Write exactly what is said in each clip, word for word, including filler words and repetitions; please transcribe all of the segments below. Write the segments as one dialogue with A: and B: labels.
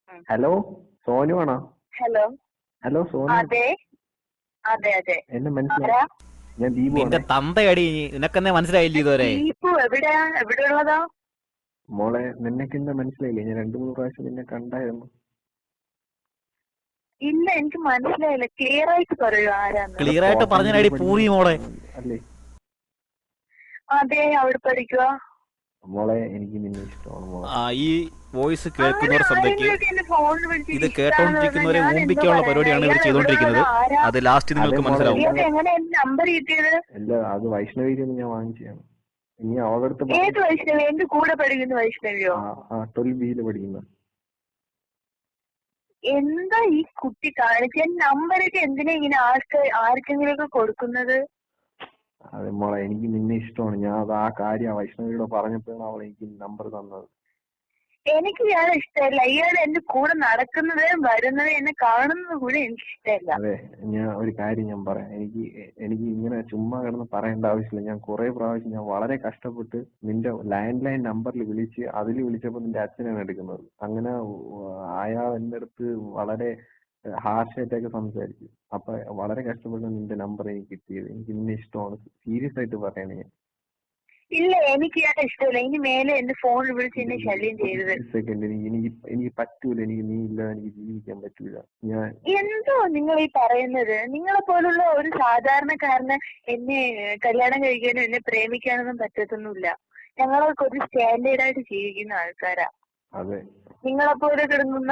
A: ഉം.
B: ഹലോ സോനു ആണോ?
A: Hello.
B: Hello Sonu,
A: അതെ അതെ അതെ.
B: എന്നെ മനസ്സിലായി.
A: ആരാ?
B: ഞാൻ ദീപു
C: നിന്റെ
B: ആണേ.
C: തന്തയടി, നിനക്കെന്നെ മനസ്സിലായില്ല ഇതുവരെ?
A: ദീപു എവിടെയാ? എവിടെ ഉള്ളതാ?
B: മോളെ നിനക്ക് എന്നെ മനസ്സിലായില്ലേ? ഞാൻ രണ്ടു മൂന്ന് പ്രാവശ്യം നിന്നെ കണ്ടായിരുന്നു.
A: ഇല്ല, എനിക്ക് മനസ്സിലായില്ല. ക്ലിയർ ആയിട്ട് പറയൂ ആരാന്ന്.
C: ക്ലിയർ ആയിട്ട് പറഞ്ഞടി പൂറി മോളെ.
B: അല്ലേ
A: അതെ, അവിടെ പഠിക്കുക.
B: മോളെ എനിക്ക് നിന്നെ ഇഷ്ടമാണ് മോളെ.
C: ആ, ഈ വോയിസ്
A: അങ്ങനെ
C: കേൾക്കുന്നവർ ശ്രദ്ധയ്ക്ക്.
A: ആരെങ്കിലുമൊക്കെ എന്നെ ഫോണിൽ വിളിച്ചിട്ട്
C: ഇത്
A: ഇഷ്ടാന്ന് പറഞ്ഞാൽ
C: കേട്ടോണ്ടിരിക്കുന്നവരെ
A: ഞാൻ എന്തോ
C: ഓമ്പിക്കാനുള്ള
A: പറയാനാ?
C: പരിപാടിയാണ് ഇവർ
A: ഇയാൾ എവിടെ
C: ചെയ്തോണ്ടിരിക്കുന്നത്.
A: ഉള്ളതാ? ആരാ?
C: അത് ലാസ്റ്റ് നിങ്ങൾക്ക്
B: അതെ മോളെ,
C: മനസ്സിലാവും.
A: ഇയാൾക്ക് എങ്ങനെ എന്റെ നമ്പർ കിട്ടിയത്?
B: അല്ല അത് വൈഷ്ണവിയിൽ നിന്ന് ഞാൻ വാങ്ങിച്ചതാണ്. ഇനി അവളടുത്ത്
A: ഏത് വൈഷ്ണവി? എന്റെ കൂടെ പഠിക്കുന്ന വൈഷ്ണവിയോ?
B: ട്വൽവ് ബിയിൽ പഠിക്കുന്ന.
A: എന്താ ഈ കുട്ടി കാണിച്ച നമ്പരൊക്കെ എന്തിനാ ഇങ്ങനെ ആർക്ക് ആർക്കെങ്കിലും ഒക്കെ കൊടുക്കുന്നത്?
B: അതെ മോളെ, എനിക്ക് നിന്നെ ഇഷ്ടമാണ്. ഞാൻ അത് ആ കാര്യം വൈഷ്ണവിയോട് പറഞ്ഞപ്പോഴാണ് അവൾ എനിക്ക് നമ്പർ തന്നത്.
A: എനിക്ക് ഇയാളെ ഇഷ്ടമല്ല. ഇയാൾ എന്റെ കൂടെ നടക്കുന്നത് വരുന്നത് എന്നെ കാണുന്നത് കൂടെ എനിക്ക് ഇഷ്ടമല്ല.
B: അതെ, ഞാൻ ഒരു കാര്യം ഞാൻ പറയാം. എനിക്ക് എനിക്ക് ഇങ്ങനെ ചുമ്മാ കിടന്ന് പറയേണ്ട ആവശ്യമില്ല. ഞാൻ കുറെ പ്രാവശ്യം ഞാൻ വളരെ കഷ്ടപ്പെട്ട് നിന്റെ ലാൻഡ് ലൈൻ നമ്പറിൽ വിളിച്ച് അതിൽ വിളിച്ചപ്പോൾ നിന്റെ അച്ഛനാണ് എടുക്കുന്നത്. അങ്ങനെ അയാൾ എൻ്റെ അടുത്ത് വളരെ ഹാർഷായിട്ടൊക്കെ സംസാരിച്ചു. അപ്പൊ വളരെ കഷ്ടപ്പെട്ട് നിന്റെ നമ്പർ എനിക്ക് കിട്ടിയത്. എനിക്ക് നിന്നെ ഇഷ്ടമാണ്. സീരിയസ് ആയിട്ട് പറയണേ.
A: ഇല്ല, എനിക്ക് ഇയാളെ ഇഷ്ടമല്ല. ഇനി മേലെ എന്റെ ഫോണിൽ വിളിച്ച് എന്നെ ശല്യം ചെയ്തത്.
B: സെക്കൻഡ്, എനിക്ക് എനിക്ക് എനിക്ക് പറ്റൂല. എനിക്ക് നീ ഇല്ലാതെ എനിക്ക് ജീവിക്കാൻ പറ്റൂല. ഞാൻ
A: എന്തോ നിങ്ങൾ ഈ പറയുന്നത്? നിങ്ങളെ പോലുള്ള ഒരു സാധാരണക്കാരന് എന്നെ കല്യാണം കഴിക്കാനും എന്നെ പ്രേമിക്കാനൊന്നും പറ്റത്തൊന്നുമില്ല. ഞങ്ങളൊക്കെ ഒരു സ്റ്റാൻഡേർഡ് ആയിട്ട് ജീവിക്കുന്ന ആൾക്കാരാ.
B: അതെ,
A: നിങ്ങളെപ്പോലെ കിടക്കുന്ന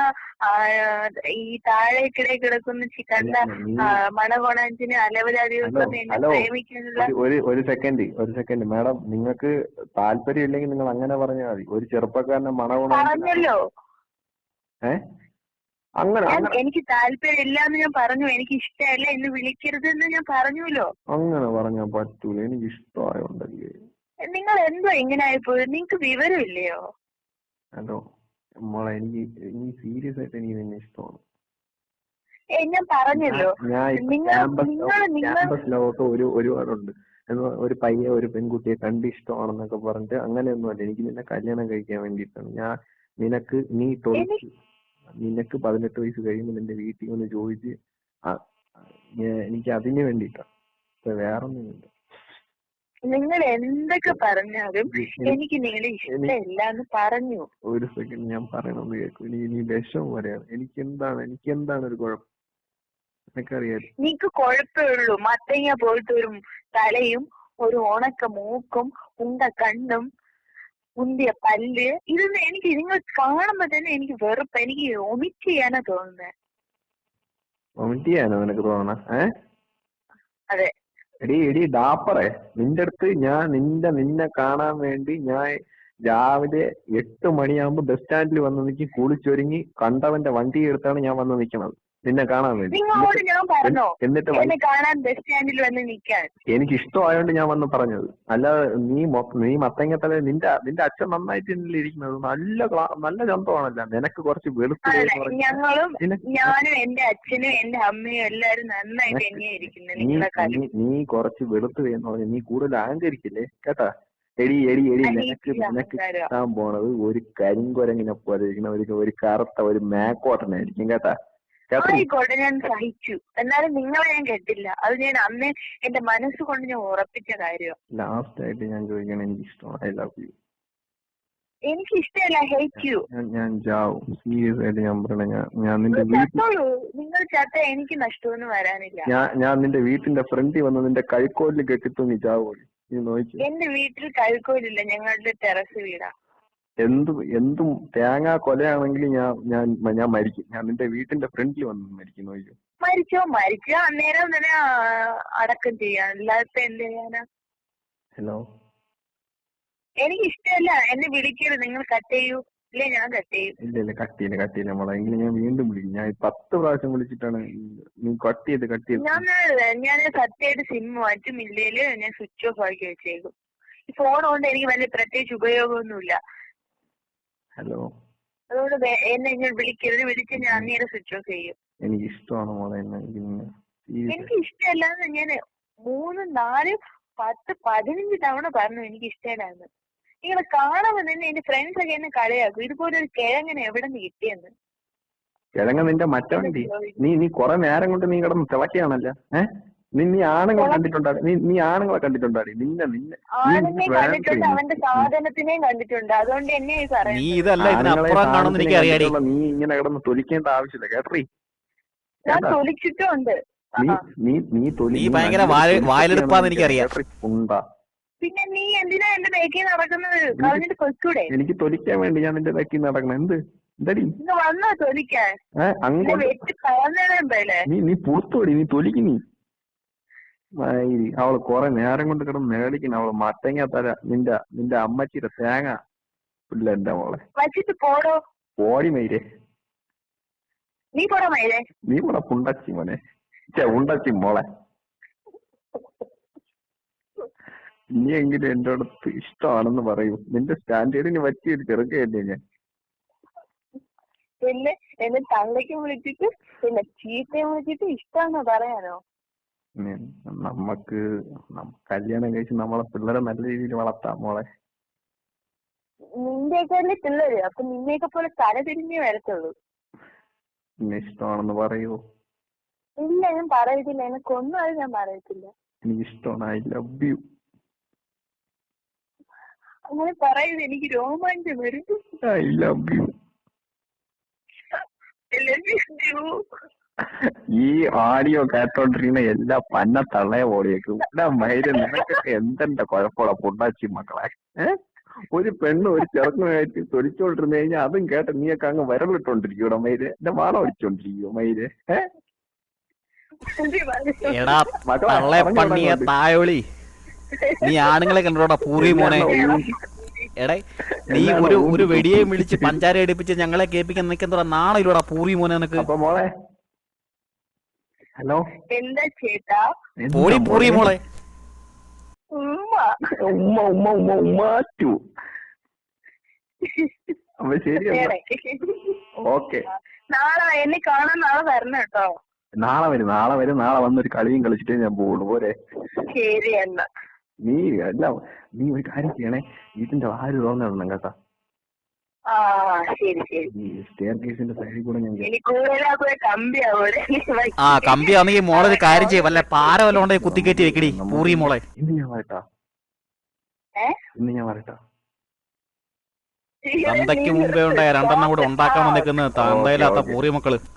A: ഈ താഴേക്കിടെ കിടക്കുന്ന ചിക്കണ്ട മണകോണാഞ്ചിന് അലവലാദികൾക്കൊന്നും എന്നെ പ്രേമിക്കാനുള്ള.
B: ഒരു ഒരു സെക്കൻഡ് ഒരു സെക്കൻഡ് മാഡം, നിങ്ങൾക്ക് താല്പര്യം ഇല്ലെങ്കിൽ നിങ്ങൾ അങ്ങനെ പറഞ്ഞാൽ മതി. ഒരു ചെറുപ്പക്കാരനെ മണകോണ
A: പറഞ്ഞല്ലോ.
B: ഏ അങ്ങനെ
A: എനിക്ക് താല്പര്യം ഇല്ല എന്ന് ഞാൻ പറഞ്ഞു. എനിക്ക് ഇഷ്ടമല്ല, എന്ന് വിളിക്കരുത് എന്ന് ഞാൻ പറഞ്ഞല്ലോ. അങ്ങനെ
B: പറഞ്ഞാൽ പറ്റൂല. എനിക്ക് ഇഷ്ടമായോണ്ടല്ലേ.
A: നിങ്ങൾ എന്തോ ഇങ്ങനെ ആയിപ്പോയത്? നിങ്ങൾക്ക് വിവരമില്ലയോ?
B: ഹലോ മോളെ, എനിക്ക് എനിക്ക് സീരിയസ് ആയിട്ട് എനിക്ക് നിന്നെ ഇഷ്ടമാണ്.
A: ഞാൻ പറഞ്ഞല്ലോ.
B: ക്യാമ്പസ് ലോകത്ത് ഒരു ഒരുപാടുണ്ട്. ഒരു പയ്യെ ഒരു പെൺകുട്ടിയെ കണ്ട് ഇഷ്ടമാണെന്നൊക്കെ പറഞ്ഞിട്ട് അങ്ങനെയൊന്നും അല്ല. എനിക്ക് നിന്നെ കല്യാണം കഴിക്കാൻ വേണ്ടിയിട്ടാണ്. ഞാൻ നിനക്ക് നീ തൊഴിച്ച് നിനക്ക് പതിനെട്ട് വയസ്സ് കഴിയുമ്പോൾ നിന്റെ വീട്ടിൽ ഒന്ന് ചോദിച്ച് എനിക്ക് അതിന് വേണ്ടിയിട്ടാണ്. വേറൊന്നുമില്ല.
A: നിങ്ങൾ എന്തൊക്കെ പറഞ്ഞാലും എനിക്ക് നിങ്ങളെ ഇഷ്ടമില്ല എന്ന് പറഞ്ഞു.
B: ഒരു സെക്കൻഡ് ഞാൻ പറയണമെന്ന് കേൾക്കും. ഇനി നീ വിഷം വരെയാണ്. എനിക്ക് എന്താണ് എനിക്ക് എന്താണ് ഒരു കുഴപ്പം? എനിക്കറിയാം
A: നിനക്ക് കുഴപ്പമുള്ളൂ. മത്തങ്ങ പോയിട്ട് ഒരു തലയും ഒരു ഉണക്ക മൂക്കും ഉണ്ട കണ്ണും ഉന്തിയ പല്ല്, ഇതൊന്നും എനിക്ക് നിങ്ങൾ കാണുമ്പോ തന്നെ എനിക്ക് വെറുപ്പ്. എനിക്ക് ഒമിറ്റ് ചെയ്യാനാ തോന്നുന്നത്.
B: ഒമിറ്റ് ചെയ്യാനോ നിനക്ക് തോന്നണ? ഏ
A: അതെ.
B: എടി എടി ഡാപ്പറേ, നിന്റെ അടുത്ത് ഞാൻ നിന്റെ നിന്നെ കാണാൻ വേണ്ടി ഞാൻ രാവിലെ എട്ട് മണിയാകുമ്പോ ബസ് സ്റ്റാൻഡിൽ വന്ന് നിൽക്കി കുളിച്ചൊരുങ്ങി കണ്ടവന്റെ വണ്ടി എടുത്താണ് ഞാൻ വന്ന് നിൽക്കണത് നിന്നെ കാണാൻ വേണ്ടി.
A: നിങ്ങളോട് ഞാൻ പറഞ്ഞോ
B: എന്നിട്ട്
A: എന്നെ കാണാൻ ബസ് സ്റ്റാൻഡിൽ വന്ന് നിൽക്കാൻ?
B: എനിക്ക് ഇഷ്ടമായോണ്ട് ഞാൻ വന്ന് പറഞ്ഞത്. അല്ലാതെ നീ നീ മത്തങ്ങത്തല നിന്റെ നിന്റെ അച്ഛൻ നന്നായിട്ട് ഇരിക്കുന്നത് നല്ല നല്ല ചന്തമാണല്ല. നിനക്ക് കുറച്ച് വെളുത്ത്.
A: ഞങ്ങളും ഞാനും എന്റെ അച്ഛനും എന്റെ അമ്മയും എല്ലാരും നന്നായിട്ട് തന്നെയാ ഇരിക്കുന്നത്.
B: നീ കുറച്ച് വെളുത്ത് എന്ന് പറഞ്ഞ നീ കൂടുതൽ അഹങ്കരിക്കില്ലേ കേട്ടാ? എടി എടി എടി നിനക്ക് നിനക്ക് കിട്ടാൻ പോണത് ഒരു കരിങ്കുരങ്ങിനെ പോലെ ഇരിക്കുന്ന ഒരു ഒരു കറുത്ത ഒരു മേക്കോട്ടനായിരിക്കും കേട്ടാ?
A: ആയിക്കോട്ടെ, ഞാൻ സഹിച്ചു. എന്നാലും നിങ്ങളെ ഞാൻ കേട്ടില്ല. അത് ഞാൻ അന്ന് എന്റെ മനസ്സുകൊണ്ട് ഞാൻ ഉറപ്പിച്ച കാര്യമാണ്.
B: ലാസ്റ്റ് ആയിട്ട് ഞാൻ ചോദിക്കണം, എനിക്ക് ഇഷ്ടമാണ്. I love you.
A: എനിക്ക് ഇഷ്ടമല്ല, ഹേറ്റ് യു.
B: ഞാൻ ചാവും. സീരിയസ് ആയിട്ട് ഞാൻ പറയണ. ഞാൻ ഞാൻ നിന്റെ
A: ചത്തോളൂ. നിങ്ങൾ ചത്ത എനിക്ക് നഷ്ടമൊന്നും വരാനില്ല.
B: ഞാൻ ഞാൻ നിന്റെ വീട്ടിന്റെ ഫ്രണ്ടിൽ വന്ന് നിന്റെ കൈക്കോലിൽ കെട്ടിത്തു നീ ചാവൂലേ? നീ നോക്കി.
A: എന്റെ വീട്ടിൽ കൈക്കോലില്ല. ഞങ്ങളുടെ ടെറസ് വീടാ.
B: എന്ത് എന്തും തേങ്ങാ കൊലയാണെങ്കിൽ ഞാൻ ഞാൻ ഞാൻ മരിക്കും. ഞാൻ നിന്റെ വീട്ടിന്റെ ഫ്രണ്ടിൽ വന്ന് മരിക്കും. നോക്കിയോ?
A: മരിച്ചോ മരിച്ചോ അന്നേരം തന്നെ അടക്കം ചെയ്യാൻ. അല്ലാത്ത എന്ത് ചെയ്യാനാ?
B: ഹലോ,
A: എനിക്ക് ഇഷ്ടമല്ല. എന്നെ വിളിക്കരുത്. നിങ്ങൾ കട്ട് ചെയ്യൂ. ഇല്ലേ ഞാൻ കട്ട് ചെയ്യും.
B: ഇല്ല ഇല്ല കട്ട് ചെയ്യില്ല കട്ട് ചെയ്യില്ല മോളെ. എങ്കിലും ഞാൻ വീണ്ടും വിളിക്കും. ഞാൻ പത്ത് പ്രാവശ്യം വിളിച്ചിട്ടാണ് നീ കട്ട് ചെയ്ത് കട്ട് ചെയ്ത്.
A: ഞാൻ ഞാൻ സത്യമായിട്ട് സിം മാറ്റും. ഇല്ലേല് ഞാൻ സ്വിച്ച് ഓഫ് ആക്കി വെച്ചേക്കും. ഈ ഫോൺ കൊണ്ട് എനിക്ക് വലിയ പ്രത്യേകിച്ച് ഉപയോഗമൊന്നുമില്ല.
B: ഹലോ,
A: അതുകൊണ്ട് എന്നെ ഞാൻ വിളിക്കരുത്. വിളിച്ച് ഞാൻ അന്നേരം സ്വിച്ച് ഓഫ് ചെയ്യും.
B: എനിക്ക് ഇഷ്ടമാണ് മോളെ.
A: എനിക്ക് ഇഷ്ടമല്ലാന്ന് ഞാൻ മൂന്ന് നാല് പത്ത് പതിനഞ്ച് തവണ പറഞ്ഞു എനിക്ക് ഇഷ്ടമല്ലാന്ന്. നിങ്ങളെ കാണുമ്പോൾ തന്നെ എന്റെ ഫ്രണ്ട്സ് ഒക്കെ എന്നെ കളിയാക്കും. ഇതുപോലെ ഒരു കിഴങ്ങനെ എവിടെ നിന്ന് കിട്ടിയെന്ന്.
B: കിഴങ്ങ നിന്റെ മറ്റവണ്ടി നീ നീ കുറെ നേരം കൊണ്ട് നീ കിടന്ന് തിളക്കുകയാണല്ലോ. ഏഹ് നീ നീ ആണുങ്ങളെ കണ്ടിട്ടുണ്ടാടി നീ നീ ആണുങ്ങളെ കണ്ടിട്ടുണ്ടാടി നിന്നെ നിന്നെ
A: ആണിനെ കണ്ടിട്ടുണ്ട്, അവന്റെ സാധനത്തിനെയും കണ്ടിട്ടുണ്ട്. അതുകൊണ്ട് എന്നെ
C: നീ ഇതല്ല ഇതിനപ്പുറം കാണുമെന്ന് എനിക്ക് അറിയാടി.
B: നീ ഇങ്ങനെ കിടന്ന് തൊലിക്കേണ്ട ആവശ്യമില്ല കേട്ടറി.
A: ഞാൻ തൊലിച്ചിട്ടുണ്ട്.
B: നീ നീ നീ തൊലി
C: നീ ഭയങ്കര വായിലെടുപ്പാന്ന് എനിക്കറിയാം.
B: ഉണ്ടാ
A: പിന്നെ നീ എന്തിനാ എന്റെ ബേക്കിൽ നടക്കുന്നത്? കളഞ്ഞിട്ട് കൊച്ചൂടെ?
B: എനിക്ക് തൊലിക്കാൻ വേണ്ടി ഞാൻ നിന്റെ ബേക്കിൽ നടക്കണം. എന്ത് എന്തടി
A: വന്നോ തൊലിക്കാൻ? വെട്ടി കളഞ്ഞേ.
B: നീ നീ പുറത്തോടി, നീ തൊലിക്ക്. നീ അവള് കൊറേ നേരം കൊണ്ട് കിടന്ന് മേടിക്കണം. അവള് മത്തങ്ങ തര നിന്റെ നിന്റെ അമ്മച്ചിയുടെ തേങ്ങ ഇല്ല എന്റെ മോളെ.
A: വച്ചിട്ട് പോടോ.
B: പോടി മയിലേ.
A: നീ പോടാ മയിലേ.
B: നീ പോടാ പുണ്ടച്ചി മോനെ. ചേ ഉണ്ടച്ചി മോളെ. നീ എങ്കിലും എന്റെ അടുത്ത് ഇഷ്ടമാണെന്ന് പറയൂ. നിന്റെ സ്റ്റാൻഡേർഡിന് പറ്റിയൊരു ചെറുക്കയല്ലേ ഞാൻ.
A: പിന്നെ എന്നെ തള്ളയ്ക്ക് വിളിച്ചിട്ട് പിന്നെ ചീത്തയും വിളിച്ചിട്ട് ഇഷ്ടമാണെന്ന് പറയാനോ?
B: നമ്മക്ക് കല്യാണം കഴിച്ച് നമ്മളെ പിള്ളേരെ നല്ല രീതിയിൽ വളർത്താം മോളെ.
A: നിന്റെയൊക്കെ പിള്ളേര് അപ്പൊ നിന്നെയൊക്കെ പോലെ തല തിരിഞ്ഞേ വരത്തുള്ളൂ.
B: പിന്നെ ഇഷ്ടമാണെന്ന് പറയൂ.
A: ഇല്ല ഞാൻ പറയത്തില്ല, എനിക്കൊന്നും അത് ഞാൻ പറയത്തില്ല.
B: എനിക്ക് ഇഷ്ടമാണ്. I love you.
A: അങ്ങനെ പറയുന്നത് എനിക്ക് രോമാഞ്ചം വരും.
B: I love you. ഈ ഓഡിയോ കേട്ടോണ്ടിരിക്കുന്ന എല്ലാ പന്ന തള്ളയെ ഓടിയേക്കും. മൈര് നിനക്കൊക്കെ എന്തെന്റെ കുഴപ്പമുള്ള പൊണ്ടാച്ചി മക്കളെ. ഏഹ് ഒരു പെണ്ണ് ഒരു ചെറുക്കനായിട്ട് തൊലിച്ചോണ്ടിരുന്നു കഴിഞ്ഞാൽ അതും കേട്ട് നീയൊക്കെ അങ്ങ് വരലിട്ടോണ്ടിരിക്കൂടെ മൈര്. എന്റെ വാള അടിച്ചോണ്ടിരിക്കോ മൈര്. ഏഹ്
C: തായോളി നീ ആണുങ്ങളെ കണ്ടോടാ പൂറി മോനെ. എടേ നീ ഒരു ഒരു വെടിയെ വിളിച്ച് പഞ്ചാര എടുപ്പിച്ച് ഞങ്ങളെ കേൾപ്പിക്കാൻ നിൽക്കെന്താ നാളെ പൂറി മോനെ നിനക്ക്.
B: മോളെ ഹലോ
A: എന്താ ചേട്ടാ?
C: പോടി പൂറി മോളെ.
B: ഉമ്മ ഉമ്മ ഉമ്മ ഉമ്മാറ്റു. അപ്പൊ ശരി ഓക്കെ.
A: നാളെ എന്നെ കാണാൻ നാളെ വരണം കേട്ടോ.
B: നാളെ വരും നാളെ വരും നാളെ വന്നൊരു കളിയും കളിച്ചിട്ടേ ഞാൻ പോകുള്ളൂ. പോരെ?
A: ശരി എന്നാ.
B: നീ അല്ല നീ ഒരു കാര്യം ചെയ്യണേ, ഇതിന്റെ ആര് തോന്നണം കേട്ടാ. സ്റ്റെയർ കേസിന്റെ സൈഡിൽ കൂടെ ഞാൻ
C: ആ കമ്പിയാണെങ്കിൽ മോളെ ഒരു കാര്യം ചെയ്യും, വല്ല പാര വല്ല കൊണ്ടേ കുത്തിക്കയറ്റി വെക്കടി പൂറി മോളെ.
B: ഇന്ന് ഞാൻ വരട്ടാ ഇന്ന് ഞാൻ വരട്ടാ
C: തന്തയ്ക്ക് മുമ്പേ ഉണ്ടായ രണ്ടെണ്ണം കൂടെ ഉണ്ടാക്കാൻ വന്നേക്കുന്നത് തന്തയില്ലാത്ത പൂറി മക്കള്.